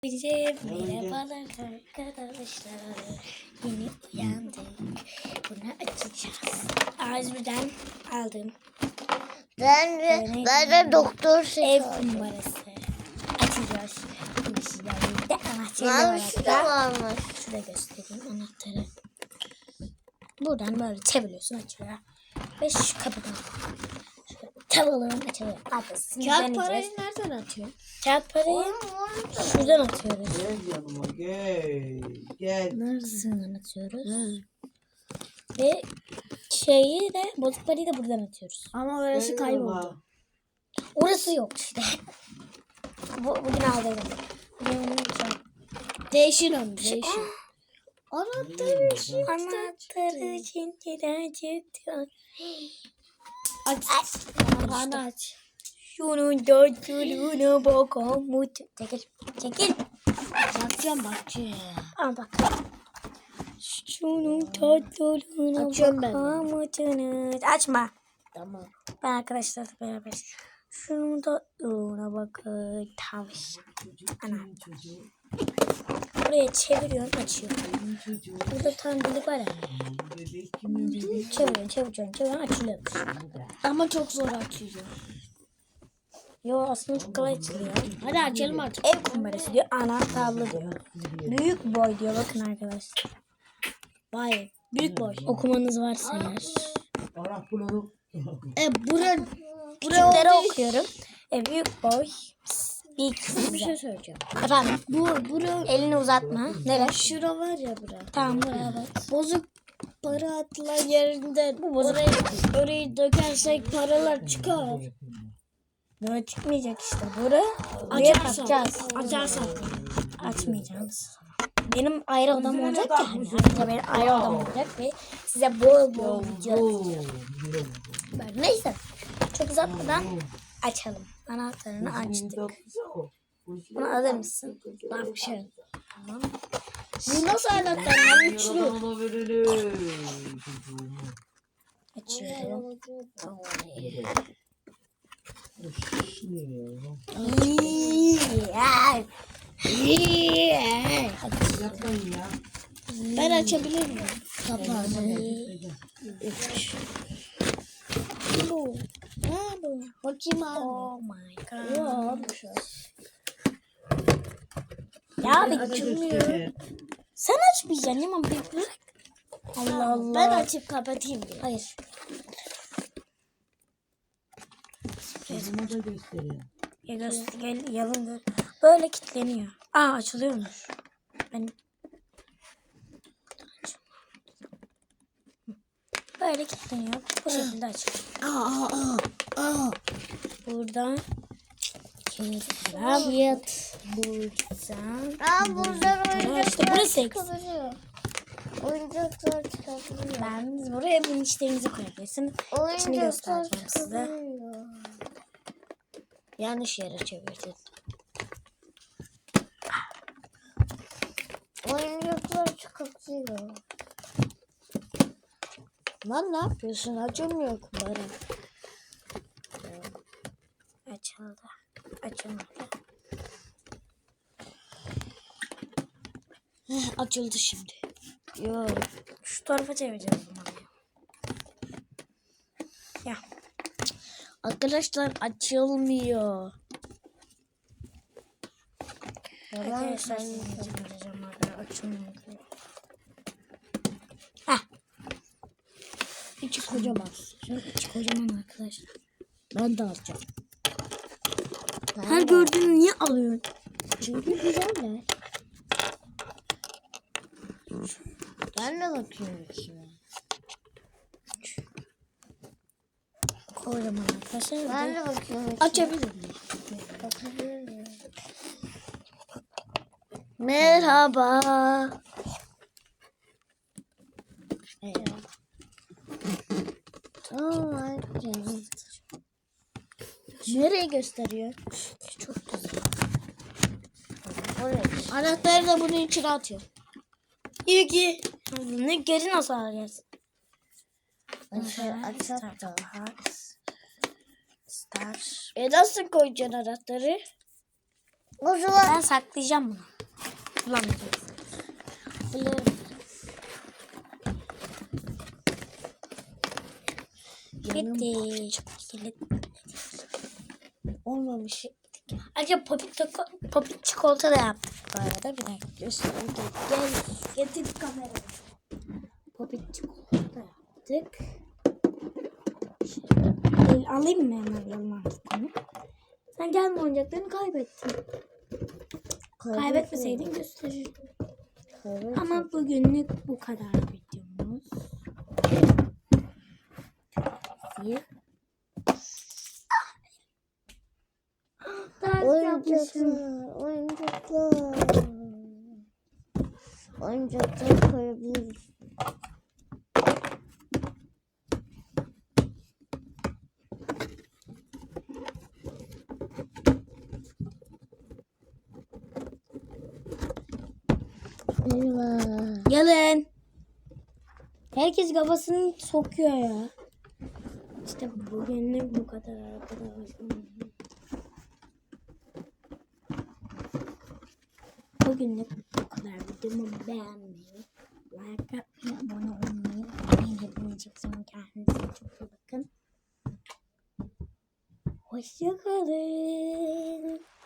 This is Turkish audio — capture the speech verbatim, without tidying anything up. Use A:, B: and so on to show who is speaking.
A: Bize merhabalar arkadaşlar. Yeni uyandık. Bunu açacağız. Ağzımdan aldım.
B: Ben de, ben de doktor
A: Ev numarası. Açacağız. Şimdi sizlerle de anahtarı var hatta.
B: varmış.
A: Şurada göstereyim anahtarı. Buradan böyle çeviriyorsun, açılıyor. Ve şu kapıdan. Tavalığın açılıyor.
B: Kağıt parayı nereden atıyor?
A: Kağıt parayı şuradan atıyoruz.
C: Gel yanıma gel. Gel.
A: Neresinden atıyoruz? Ve şeyi de bozuk parayı da buradan atıyoruz.
B: Ama orası kayboldu.
A: Orası yok işte. Bu, bugün aldıydım. Bugün onu yapacağım.
B: Değişin onu, değişin. Anahtarı için.
A: Anahtarı için çıktı.
B: Aç. Anahtarını aç.
A: Şunun dörtlüğüne bakalım. Çekil. Çekil.
B: Bakacağım, bakacağım.
A: Al bak. Şunun tatlılığına
B: Açıyorum ben.
A: bakalım. Açma.
B: Tamam.
A: Ben arkadaşlarla beraber. Şunun tatlılığına bakın. Tavşan. Ana. Buraya çeviriyorsun, açıyor. Burada tam delik var ya. Çeviriyorsun, çeviriyorsun, çeviriyorsun, açılıyor.
B: Ama çok zor açıyor.
A: Yo aslında çok kolay açılıyor.
B: Hadi açalım artık.
A: Ev kumarası diyor, anahtarlı diyor. Büyük boy diyor, bakın arkadaşlar.
B: Vay, büyük boy.
A: Okumanız varsa eğer.
C: Arap bunu.
B: E bura, bura
A: Küçükleri
B: olduğu-
A: okuyorum. E, büyük boy. Bir
B: Bir şey söyleyeceğim.
A: Efendim,
B: Bu, bura,
A: elini uzatma. Nere?
B: şura var ya bura.
A: Tamam, buraya bak.
B: Bozuk para atılan yerinde
A: Bu bozuk.
B: orayı, orayı dökersek paralar çıkar.
A: Böyle çıkmayacak işte. Buraya, buraya
B: Açarsan.
A: bakacağız.
B: Açarsan.
A: Açmayacağız. Benim ayrı odam olacak ya. Ayrıca benim ayrı odam olacak ve size bol bol video böyle. Neyse. Çok uzatmadan açalım. Anahtarını açtık. Bunu alır mısın?
B: Bak bir şey.
A: Tamam.
B: Bu nasıl anahtar lan? Üçlü.
A: Açıyorum.
C: Yapmayın ya.
B: Ben açabilir miyim? Kapağını. Bu. Ha bu. Bakayım abi.
A: Oh my god.
B: Yok.
A: Ya bir açılmıyor. Sen açmayacaksın Yaman, bir bırak. Allah Allah.
B: Ben açıp kapatayım diye.
A: Hayır.
C: Kızıma da gösteriyor.
A: Ya göster, gel, yalın gör. Böyle kilitleniyor. Aa, açılıyormuş. Ben böyle kilitleniyor. Bu şekilde açılıyor.
B: Aa aa aa.
A: Buradan kilitlen.
B: Yat.
A: Buradan.
B: Aa buradan
A: Aa, işte burası eksik.
B: Oyuncaklar çıkabiliyor.
A: Ben buraya vinçlerinizi koyabilirsin. İçini göstereceğim size.
B: Yanlış yere çevirdin. Oyuncaklar çıkabiliyor. Lan ne yapıyorsun? Açılmıyor kumları.
A: Açıldı. Açılmadı.
B: Heh, açıldı şimdi.
A: Yok. Şu tarafa çevireceğiz bunu. Ya.
B: Arkadaşlar açılmıyor.
A: Arkadaşlar sizinle çevireceğim. Açılmıyor. Heh.
B: İçi kocaman.
A: Şu içi kocaman arkadaşlar.
B: Ben de alacağım.
A: Her gördüğünü niye alıyorsun?
B: Çünkü güzel mi? Ben de bakıyorum içine.
A: Kocaman arkadaşlar.
B: Ben de bakıyorum. Açabilir miyim? Bakabilir miyim? Merhaba. Evet. Tamam. Nereye gösteriyor?
A: Çok güzel.
B: Anahtarı da bunun içine atıyor.
A: İyi ki. Ne geri nasıl alacağız?
B: Aşağı
A: Start
B: aşağı da.
A: box. Start.
B: E nasıl koyacaksın anahtarı? O zaman
A: Ben saklayacağım bunu. Kullanmayacağım.
B: Biliyorum.
A: Bitti. Kilit.
B: Olmamış.
A: Ayrıca popit, çiko- popit çikolata da yaptık bu arada. Bir dakika.
B: Göster. Gel. Getir kamerayı.
A: Popit çikolata da yaptık. El alayım mı hemen yanına bunu? Sen gelme oyuncaklarını kaybettin. Kaybetmeseydin gösterirdim.
B: Evet.
A: Ama bugünlük bu kadar videomuz. Bir. Ders yapmışım.
B: Oyuncaklar. Oyuncaklar. Oyuncaklar koyabiliriz. Eyvah.
A: Gelin. Herkes kafasını sokuyor ya. İşte bugünlük bu kadar arkadaşlar. Bugünlük bu kadar. Videomu beğenmeyi, like atmayı, abone olmayı unutmayın. Hepinizi çok seviyorum. Kendinize çok iyi bakın. Hoşçakalın.